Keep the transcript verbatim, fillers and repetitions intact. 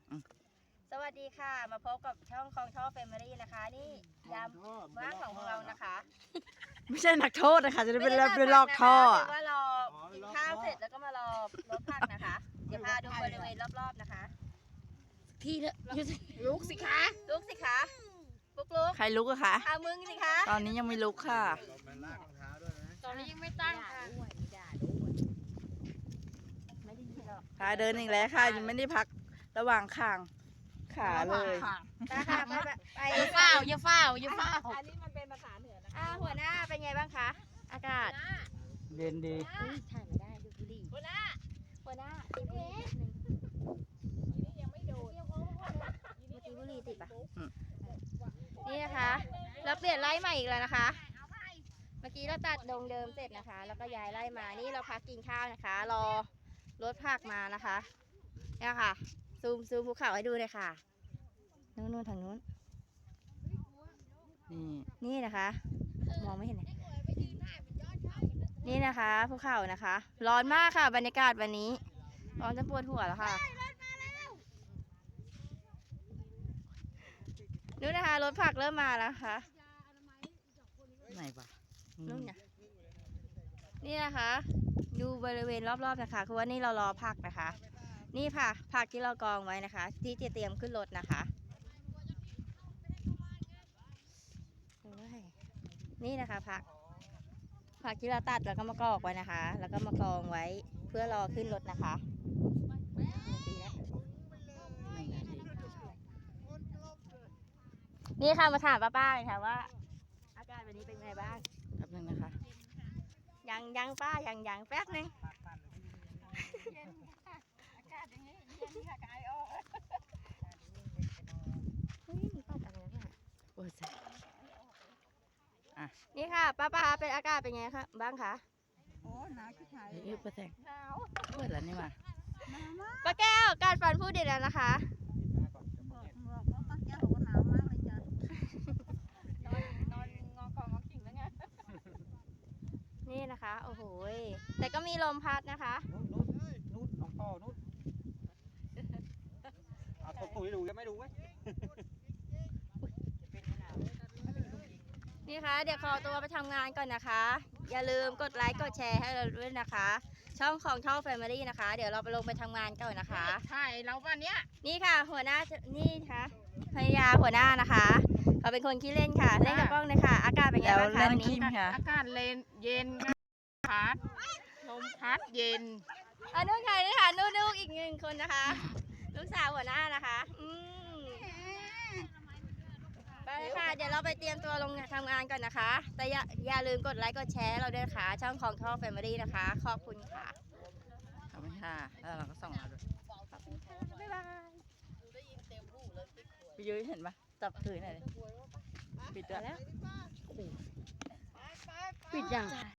สวัสดีค่ะมาพบกับช่องคลองท่อแฟมิลี่นะคะนี่ยามว่างของเรานะคะไม่ใช่นักโทษนะคะจะได้เป็นไม่ได้เป็นลอกท่อนะคะเป็นว่ารอกินข้าวเสร็จแล้วก็มารอรถผักนะคะเดี๋ยวพาดูบริเวณรอบๆนะคะที่เถอะลุกสิคะลุกสิคะลุกลุกใครลุกอะคะอามึงสิคะตอนนี้ยังไม่ลุกค่ะตอนนี้ยังไม่ตั้งค่ะไม่ได้ยินหรอกขาเดินอีกแล้วค่ะยังไม่ได้พักระหว่างข้างขาเลยไปค่ะไปไปไปอย่าเฝ้าอย่าเฝ้าอย่าเฝ้าอันนี้มันเป็นภาษาเหนือนะคะอ่าหัวหน้าเป็นไงบ้างคะอากาศเย็นดีถ่ายไม่ได้ดูบุหรี่หัวหน้าหัวหน้าติดบุหรี่นิดนึงยังไม่โดนเมื่อกี้บุหรี่ติดปะนี่นะคะเราเปลี่ยนไล่ใหม่อีกแล้วนะคะ เมื่อกี้เราตัดดงเดิมเสร็จนะคะ แล้วก็ย้ายไล่มานี่เราพักกินข้าวนะคะ รอรถผักมานะคะเนี่ยค่ะซูมซูมภูเขาให้ดูเลยค่ะนู่นนู่นทางนู้นนี่นี่นะคะมองไม่เห็นเลยนี่นะคะภูเขานะคะ ร้อนมากค่ะบรรยากาศวันนี้ร้อนจนปวดหัวแล้วค่ะนู่นนะคะรถผักเริ่มมาแล้วค่ะไหนปะนู่นเนี่ยนี่นะคะดูบริเวณรอบๆนะคะคือว่านี่เรารอผักนะคะ นี่ค่ะผักที่เรากองไว้นะคะ ที่จะเตรียมขึ้นรถนะคะนี่นะคะผักผักที่เราตัดแล้วก็มากอกไว้นะคะ แล้วก็มากองไว้เพื่อรอขึ้นรถนะคะนี่ค่ะมาถามป้าๆเลยค่ะว่า อากาศวันนี้เป็นไงบ้างแป๊บนึงนะคะยังยังป้ายังยังแป๊บนึงเฮ้ยมีปัดอะไรนะโอ้ยแสบนี่ค่ะป้าป้าเป็นอากาศเป็นไงคะบ้างคะโอ้หนาวชิบหายเฮ้ยประแสงเปิดแล้วนี่มาป้าแก้วการฟันพูดดีแล้วนะคะบอกบอกว่าป้าแก้วบอกว่าหนาวมากเลยจ้ะนอนงอคองอกิ่งแล้วไงนี่นะคะโอ้โหแต่ก็มีลมพัดนะคะนู่นนู่นนู่นน้องพ่อนู่นเอาตัวปุ๋ยดูยังไม่ดูไหมนี่ค่ะเดี๋ยวขอตัวไปทำงานก่อนนะคะ อย่าลืมกดไลค์กดแชร์ให้เราด้วยนะคะ ช่องของช่องแฟมิลี่นะคะ เดี๋ยวเราไปลงไปทำงานก่อนนะคะใช่เราวันเนี้ยนี่ค่ะหัวหน้านี่ค่ะภรรยาหัวหน้านะคะเขาเป็นคนขี้เล่นค่ะเล่นกับกล้องเลยค่ะ อากาศเป็นไงแล้วบ้างคะเล่นวันคินี้มค่ะอากาศเลนเย็นพัดลมพัดเย็นอันนู้นค่ะนี่ค่ะนู่นๆอีกหนึ่งคนนะคะ ลูกสาวหัวหน้านะคะอืมไปเลยค่ะ เดี๋ยวเราไปเตรียมตัวลงทำงานก่อนนะคะ แต่อย่าอย่าลืมกดไลค์กดแชร์เราด้วยนะคะ ช่องของท่อแฟมิลี่นะคะ ขอบคุณค่ะขอบคุณค่ะแล้วเราก็ส่องมาด้วยขอบคุณค่ะบ๊ายบายพี่ยุ้ยเห็นปะจับถือหน่อยดิปิดด้วยแล้วปิดยัง